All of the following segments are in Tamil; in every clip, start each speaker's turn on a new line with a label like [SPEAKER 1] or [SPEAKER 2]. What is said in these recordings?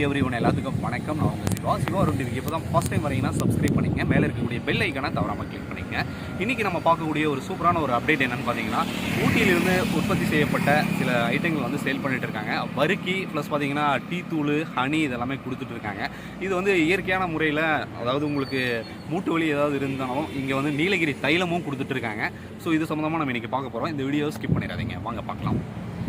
[SPEAKER 1] எவ்ரிவன் எல்லாத்துக்கும் வணக்கம். நான் உங்கள் சிவா டிவிக்கு இப்போ தான் ஃபஸ்ட் டைம் வரீங்கன்னா சப்ஸ்கிரைப் பண்ணிங்க. மேலே இருக்கக்கூடிய பெல் ஐக்கானை தவறாமல் கிளிக் பண்ணிங்க. இன்றைக்கி நம்ம பார்க்கக்கூடிய ஒரு சூப்பரான ஒரு அப்டேட் என்னென்னு பார்த்தீங்கன்னா, ஊட்டியிலிருந்து உற்பத்தி செய்யப்பட்ட சில ஐட்டங்கள் வந்து சேல் பண்ணிட்டு இருக்காங்க. வறுக்கி ப்ளஸ் பார்த்தீங்கன்னா டீ தூள், ஹனி இதெல்லாமே கொடுத்துட்ருக்காங்க. இது வந்து இயற்கையான முறையில், அதாவது உங்களுக்கு மூட்டு வலி ஏதாவது இருந்தாலும் இங்கே வந்து நீலகிரி தைலமும் கொடுத்துட்ருக்காங்க. ஸோ இது சம்மந்தமாக நம்ம இன்றைக்கி பார்க்க போகிறோம். இந்த வீடியோ ஸ்கிப் பண்ணிடாதீங்க, வாங்க பார்க்கலாம்.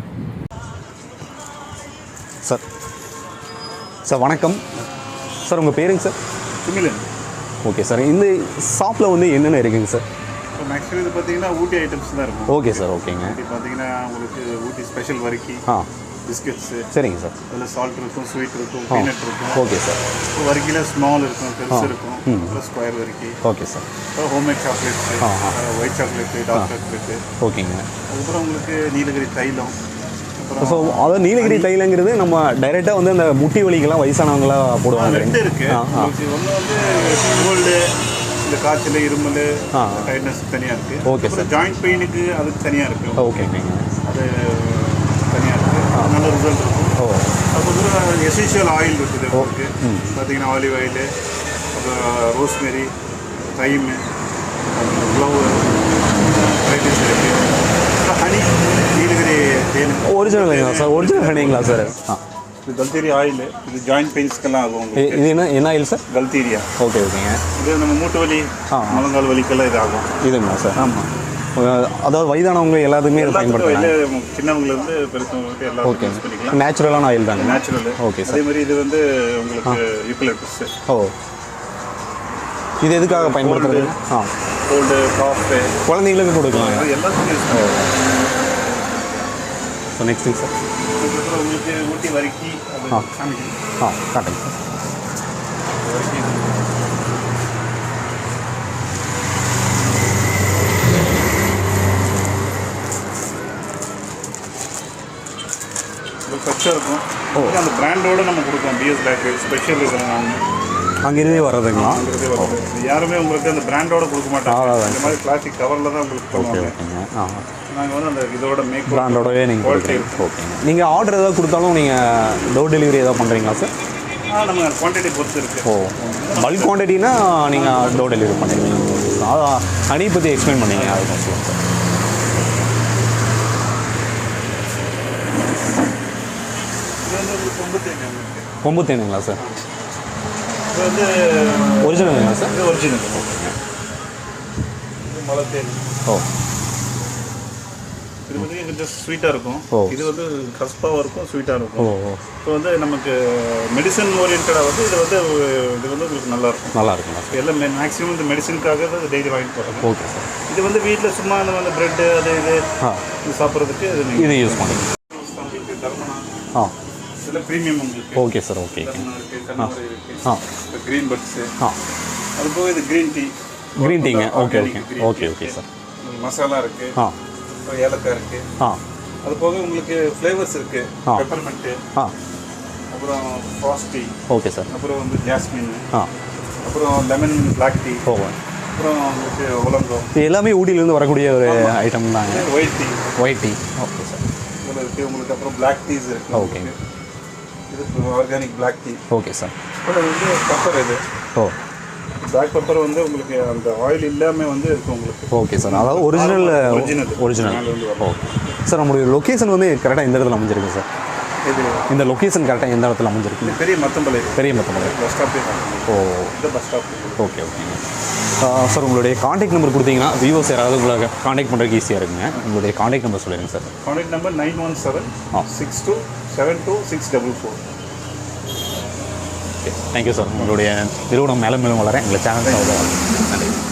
[SPEAKER 2] சார் வணக்கம் சார், உங்கள் பேருங்க சார்?
[SPEAKER 3] சுமிலன்.
[SPEAKER 2] ஓகே சார், இந்த ஷாப்பில் வந்து என்னென்ன இருக்குங்க சார்?
[SPEAKER 3] இப்போ மேக்ஸிமம் இது பார்த்தீங்கன்னா ஊட்டி ஐட்டம்ஸ் தான் இருக்கும்.
[SPEAKER 2] ஓகே சார், ஓகேங்க.
[SPEAKER 3] ஊட்டி பார்த்தீங்கன்னா உங்களுக்கு ஊட்டி ஸ்பெஷல் வறுக்கி, பிஸ்கட்ஸு,
[SPEAKER 2] சரிங்க சார்.
[SPEAKER 3] அதில் சால்ட் இருக்கும், ஸ்வீட் இருக்கும், பீனட் இருக்கும்.
[SPEAKER 2] Okay sir.
[SPEAKER 3] இப்போ வறுக்கியில் ஸ்மால் இருக்கும், பெருசு இருக்கும், அப்புறம் ஸ்கொயர் வறுக்கி.
[SPEAKER 2] Okay sir.
[SPEAKER 3] அப்புறம் homemade chocolates, white chocolate, dark chocolate.
[SPEAKER 2] ஓகேங்க.
[SPEAKER 3] அதுக்கப்புறம் உங்களுக்கு நீலகிரி தைலம்.
[SPEAKER 2] ஸோ அதாவது நீலகிரி தைலங்கிறது நம்ம டைரெக்டாக வந்து அந்த முட்டி வலிக்கெல்லாம் வயசானவங்களாம் போடுவாங்க.
[SPEAKER 3] ரெண்டு இருக்குது. ஒன்று வந்து கோல்டு, இந்த காய்ச்சல், இருமல், டைட்னஸ் தனியாக இருக்குது.
[SPEAKER 2] Okay sir.
[SPEAKER 3] ஜாயிண்ட் பெயினுக்கு அதுக்கு தனியாக இருக்குது.
[SPEAKER 2] ஓகே
[SPEAKER 3] அது தனியாக இருக்குது, நல்ல ரிசல்ட் இருக்கும். அதுக்கப்புறம் எசென்ஷியல் ஆயில் இருக்குது உங்களுக்கு. பார்த்தீங்கன்னா ஆலிவ் ஆயில், அப்புறம் ரோஸ்மெரி, தைமு, க்ளோவு, வெரைட்டிஸ் இருக்குது. ஹனி, நீலகிரி தேன்.
[SPEAKER 2] Original sir? ஒரிஜினல் ஹனிங்களா சார்?
[SPEAKER 3] இது கல்தீரியா ஆயில். இது ஜாயிண்ட் பெயின்ஸ்க்கெல்லாம் ஆகும்.
[SPEAKER 2] இது என்ன ஆயில் சார்?
[SPEAKER 3] கல்தீரியா.
[SPEAKER 2] ஓகே ஓகேங்க. இது
[SPEAKER 3] நம்ம மூட்டு வலி, முழங்கால் வலிக்கெல்லாம் இது ஆகும்.
[SPEAKER 2] இதுங்களா சார்?
[SPEAKER 3] ஆமாம்.
[SPEAKER 2] அதாவது வயதானவங்க எல்லாத்துக்குமே இதை பயன்படுத்தலாம்.
[SPEAKER 3] சின்னவங்கலேருந்து பெருசவங்களுக்கு எல்லாருக்கும் யூஸ் பண்ணிக்கலாம்.
[SPEAKER 2] நேச்சுரலான ஆயில் தாங்க.
[SPEAKER 3] நேச்சுரல்.
[SPEAKER 2] Okay sir.
[SPEAKER 3] அதே மாதிரி இது வந்து உங்களுக்கு யூக்கலிப்டஸ்.
[SPEAKER 2] ஓ, இது எதுக்காக பயன்படுத்துறது?
[SPEAKER 3] கோல்டு, காஃபு,
[SPEAKER 2] குழந்தைங்களுக்கு கொடுக்கலாம்.
[SPEAKER 3] எல்லாத்துக்கும் யூஸ் பண்ணுவோம்.
[SPEAKER 2] ஸோ நெக்ஸ்ட்டுங்க சார்.
[SPEAKER 3] அதுக்கப்புறம் உங்களுக்கு ஊட்டி வறுக்கி அது காமிக்கணும்.
[SPEAKER 2] காட்டுங்க சார்.
[SPEAKER 3] வறுக்கி ஃப்ரெஷ்ஷாக இருக்கும். அந்த பிராண்டோடு நம்ம கொடுப்போம். பிஎஸ் பேக்கரி ஸ்பெஷல் இருக்கிறாங்க.
[SPEAKER 2] அங்கிருந்தே வர்றதுங்களா?
[SPEAKER 3] அங்கிருந்தே வர்றது. யாருமே உங்களுக்கு அந்த பிராண்டோட கொடுக்க மாட்டாங்க. இந்த மாதிரி பிளாஸ்டிக் கவரில் தான் உங்களுக்கு
[SPEAKER 2] ஓகேங்க.
[SPEAKER 3] நாங்கள் வந்து அந்த இதோட மேக்
[SPEAKER 2] பிராண்டோடவே நீங்கள் குவாலிட்டி. ஓகேங்க. நீங்கள் ஆர்டர் ஏதாவது கொடுத்தாலும் நீங்கள் டோர் டெலிவரி ஏதாவது பண்ணுறீங்களா சார்?
[SPEAKER 3] நம்ம குவான்டிட்டி பொறுத்து இருக்குது.
[SPEAKER 2] ஓ, பல்க் குவான்டிட்டினா நீங்கள் டோர் டெலிவரி பண்ணுறீங்க. அதான் ஹனி பற்றி எக்ஸ்பிளைன் பண்ணீங்க, அது கொஞ்சம் சார். கொம்பு தேனுங்களா சார்?
[SPEAKER 3] இது வந்து
[SPEAKER 2] ஒரிஜினலுங்களா சார்?
[SPEAKER 3] இது ஒரிஜினல். இது மலை தேன்.
[SPEAKER 2] ஓ,
[SPEAKER 3] இது வந்து கொஞ்சம் ஸ்வீட்டாக இருக்கும். இது வந்து கஸ்பாவாக இருக்கும், ஸ்வீட்டாக இருக்கும். இப்போ வந்து நமக்கு மெடிசன் ஓரியன்டாக வந்து இது வந்து உங்களுக்கு நல்லா இருக்கும். எல்லாம் மேக்ஸிமம் இந்த மெடிசனுக்காக தான் டெய்லி வாங்கிட்டு போகிறாங்க.
[SPEAKER 2] Okay sir.
[SPEAKER 3] இது வந்து வீட்டில் சும்மா அந்த ப்ரெட்டு அது இது சாப்பிட்றதுக்கு
[SPEAKER 2] இது யூஸ் பண்ணுங்க.
[SPEAKER 3] தர்மனா இதில் ப்ரீமியம் உங்களுக்கு.
[SPEAKER 2] Okay sir. Okay.
[SPEAKER 3] Green buds. அது போக இது க்ரீன் டீ.
[SPEAKER 2] க்ரீன் டீங்க. Okay okay sir.
[SPEAKER 3] மசாலா இருக்குது, ஏலக்காய் இருக்குது. அது போக உங்களுக்கு ஃப்ளேவர்ஸ் இருக்குது. பெப்பர்மெண்ட்டு, அப்புறம் ஃப்ராஸ்டி.
[SPEAKER 2] Okay sir.
[SPEAKER 3] அப்புறம் வந்து ஜாஸ்மின், அப்புறம் லெமன் பிளாக் டீ, அப்புறம் உங்களுக்கு ஒலங்கோ.
[SPEAKER 2] இது எல்லாமே ஊட்டியிலேருந்து வரக்கூடிய ஒரு ஐட்டம் தாங்க. White tea. Okay sir.
[SPEAKER 3] இதில் இருக்குது உங்களுக்கு. அப்புறம் பிளாக் டீஸ் இருக்குது.
[SPEAKER 2] ஓகே.
[SPEAKER 3] இது organic black tea.
[SPEAKER 2] Okay sir.
[SPEAKER 3] அப்புறம் வந்து பெப்பர். இது பிளாக் பெப்பர் வந்து உங்களுக்கு அந்த ஆயில் இல்லாமல் வந்து இருக்கும் உங்களுக்கு.
[SPEAKER 2] Okay sir. அதாவது ஒரிஜினல். Okay sir. நம்மளுடைய லொக்கேஷன் வந்து கரெக்டாக இந்த இடத்துல அமைஞ்சிருக்கு சார்?
[SPEAKER 3] இது
[SPEAKER 2] இந்த லொக்கேஷன் கரெக்டாக எந்த இடத்துல அமைஞ்சிருக்கு?
[SPEAKER 3] பெரிய மத்தம்பளை.
[SPEAKER 2] பஸ் ஸ்டாப்பே. ஓ,
[SPEAKER 3] இந்த பஸ் ஸ்டாப்.
[SPEAKER 2] ஓகே. சார், உங்களுடைய காண்டாக்ட் நம்பர் கொடுத்தீங்கன்னா வியூவர்ஸ் யாராவது உங்களை காண்டாக்ட் பண்ணுறதுக்கு ஈஸியாக இருக்குங்க. உங்களுடைய காண்டாக்ட் நம்பர் சொல்லிடுங்க sir.
[SPEAKER 3] Contact number 9176272644.
[SPEAKER 2] Okay, thank you sir. உங்களுடைய நிறுவனம் மேலும் வளர எங்களை சேனல் நன்றி.